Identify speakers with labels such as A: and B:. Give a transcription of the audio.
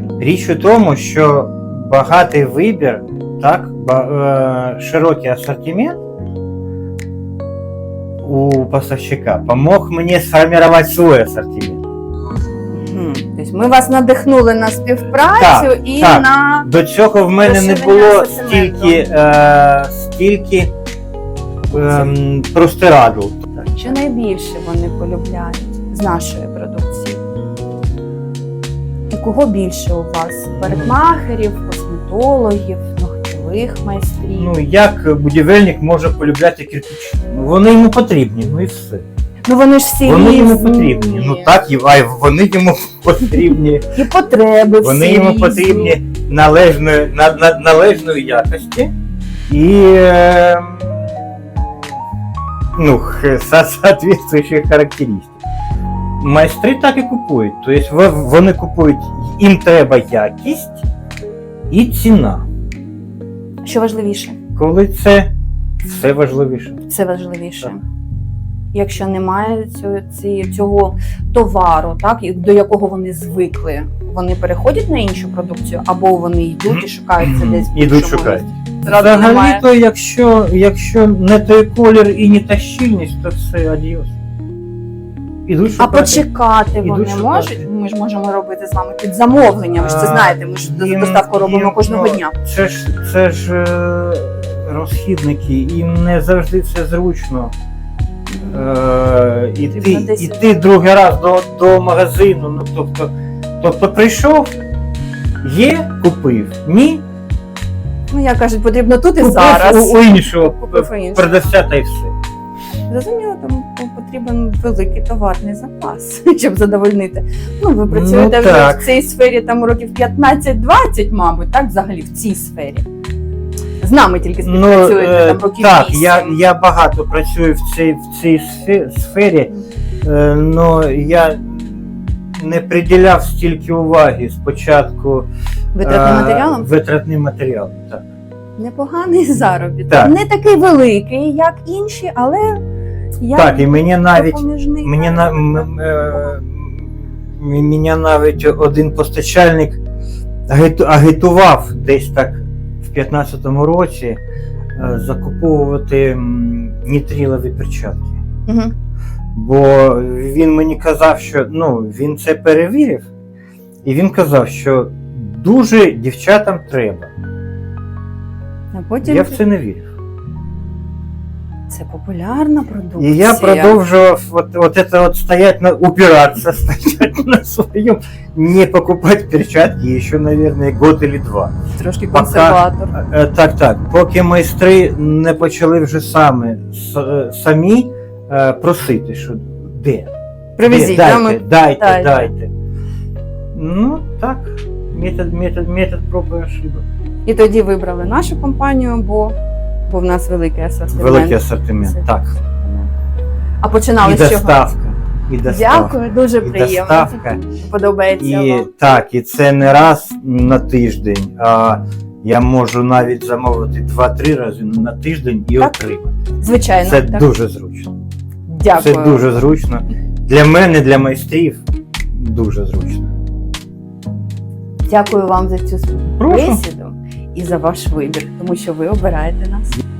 A: Річ у тому, що багатий вибір, так, широкий асортимент у поставщика помог мені сформувати свій асортимент.
B: Тобто ми вас надихнули на співпрацю і
A: так.
B: на...
A: До цього в мене не було стільки простирадл.
B: Що найбільше вони полюбляють з нашої продукції? І кого більше у вас? Парикмахерів, косметологів, ногтєвих майстрів?
A: Ну, як будівельник може полюбляти кирпичі? Ну, вони йому потрібні, ну і все.
B: Ну вони ж всі
A: Вони
B: різні.
A: йому потрібні. Ну так, вони йому потрібні.
B: І потреби всі
A: Вони йому
B: різні.
A: потрібні належної якості і соответствуючих характеристик. Майстри так і купують. Тобто вони купують, їм треба якість і ціна.
B: Що важливіше?
A: Коли це все важливіше.
B: Це важливіше.
A: Так.
B: Якщо немає цього товару, так, до якого вони звикли, вони переходять на іншу продукцію, або вони йдуть і шукають це десь в
A: Ідуть
B: іншому
A: шукають.
B: місці? Зразу немає.
A: Взагалі-то, якщо не той колір і не та щільність, то все адіос. Ідуть
B: А
A: шукати.
B: почекати вони
A: шукати.
B: можуть? Ми ж можемо робити з вами під замовлення, ви ж це знаєте, ми ж доставку робимо кожного дня.
A: Це ж розхідники, їм не завжди це зручно. Іти другий раз до магазину, ну, тобто прийшов, є, купив, ні,
B: Ну, як кажуть, потрібно тут і
A: купив
B: зараз.
A: у іншого
B: Купив у іншого.
A: продавця та й все.
B: Зрозуміло, тому потрібен великий товарний запас, щоб задовольнити. Ну, ви працюєте вже
A: так.
B: в цій сфері там років 15-20, мабуть, так, взагалі в цій сфері. З нами тільки співпрацюєте там років 8.
A: Так, я багато працюю в цій сфері, але я не приділяв стільки уваги спочатку
B: Витратним матеріалом?
A: Витратним матеріалом, так.
B: Непоганий заробіток.
A: Так.
B: Не такий великий, як інші, але як
A: Так, і мені навіть
B: допоміжний.
A: Мене навіть один постачальник агітував десь так в 15-му році закуповувати нітрилові перчатки.
B: Угу.
A: Бо він мені казав, що він це перевірив, і він казав, що дуже дівчатам треба.
B: А потім
A: Я в це не вірив.
B: це популярна продукція.
A: І я продовжував стоять упираться, стоять на своем, не покупать перчатки еще, наверное, год или два.
B: Трошки консерватор.
A: Так. Поки майстри не почали вже самі просити, що де?
B: Привезіть,
A: Дайте. Ну, так, метод проб і ошибок.
B: І тоді вибрали нашу компанію, бо в нас великий асортимент.
A: Великий асортимент, так.
B: А починали
A: І
B: з чого?
A: доставка.
B: Дякую, дуже
A: І
B: приємно.
A: доставка.
B: Подобається вам.
A: Так, і це не раз на тиждень, а я можу навіть замовити 2-3 рази на тиждень і
B: Так.
A: отримати.
B: Звичайно.
A: Це
B: так.
A: дуже зручно.
B: Дякую.
A: Це дуже зручно. Для мене, для майстрів, дуже зручно.
B: Дякую вам за цю
A: Прошу.
B: бесіду і за ваш вибір, тому що ви обираєте нас.